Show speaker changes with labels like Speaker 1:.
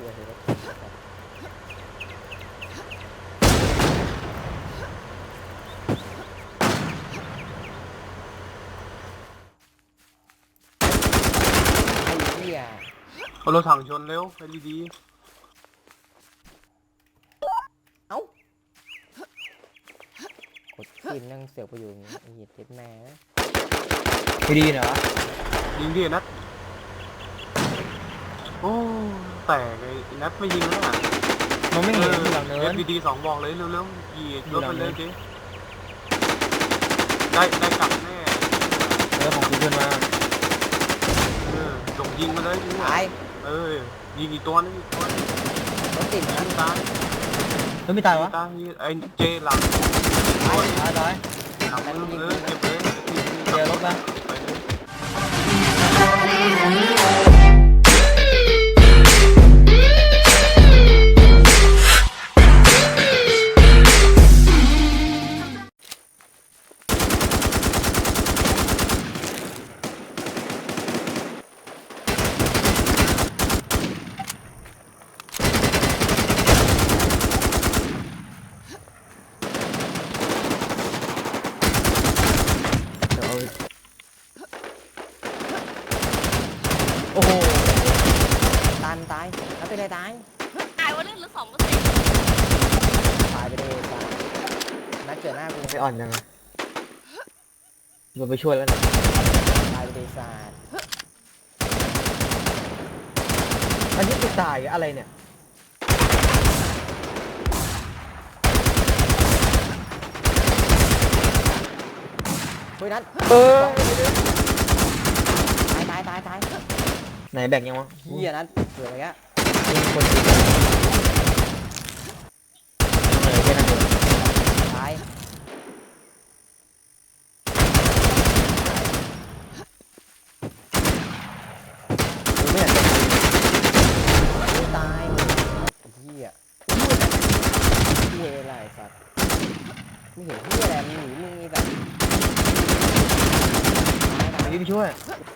Speaker 1: เลยคือไอ้เหี้ย
Speaker 2: เอารถถังชนเร็วไปดี
Speaker 1: เอ้ากดขึ้นนั่งเสือกไปอยู่อย่างงี้ไอ้เหี้ยเจ็ดแม่นะ
Speaker 3: ไม่ดีเหรอ
Speaker 2: ๆยิงดินัดโอ้แตกไอ้นัดไม่ยิงแล้วอ่ะ
Speaker 3: มันไม่เห็นอยู่หลังเนิน
Speaker 2: ดีๆ2บอกเลยเร็วๆยิงรถไปเลยดิได้กลับแน่
Speaker 3: ของกูขึ้นมา
Speaker 2: ส่งยิงมาเลย
Speaker 1: ตาย
Speaker 2: ยิงอีกตัวนึง
Speaker 1: รถติดนะ
Speaker 2: ตาย
Speaker 3: แล้วไม่ตายวะ
Speaker 2: ตายไอ้เจหลัง
Speaker 3: ตายตาย
Speaker 2: หลังเก็บเลย
Speaker 3: เดี๋ยวรถมา
Speaker 2: ไปเลย
Speaker 3: เดี๋ยวเอาโอ้โห
Speaker 1: ตายแล้วเป็นไรตาย
Speaker 4: ตายว่าเลือดเหลือ2%
Speaker 1: ตายไปเลยตายนัดเกิดหน้ากู
Speaker 3: ไม่อ่อนยังไงมันไปช่วยแล้วนะ
Speaker 1: ตายไปเลยศาสตร์
Speaker 3: อันนี้คือตายอะไรเนี่ย
Speaker 1: เฮ้ยนัด
Speaker 3: เออ
Speaker 1: ตาย
Speaker 3: ไหนแบ่งยังวะ
Speaker 1: เหี้ยนัดเกิดอะไรเงี้ย
Speaker 3: มีคนยิงแค่นั้นเอง
Speaker 1: ตาย
Speaker 3: กูไม่อยากจะ
Speaker 1: ตายเหี้ยเหี้ยอะไรสัตว์ไม่เห็นเหี้ยอะไรมึงหนีมึงนี่แบบตาย
Speaker 3: ไปช่วย
Speaker 1: ต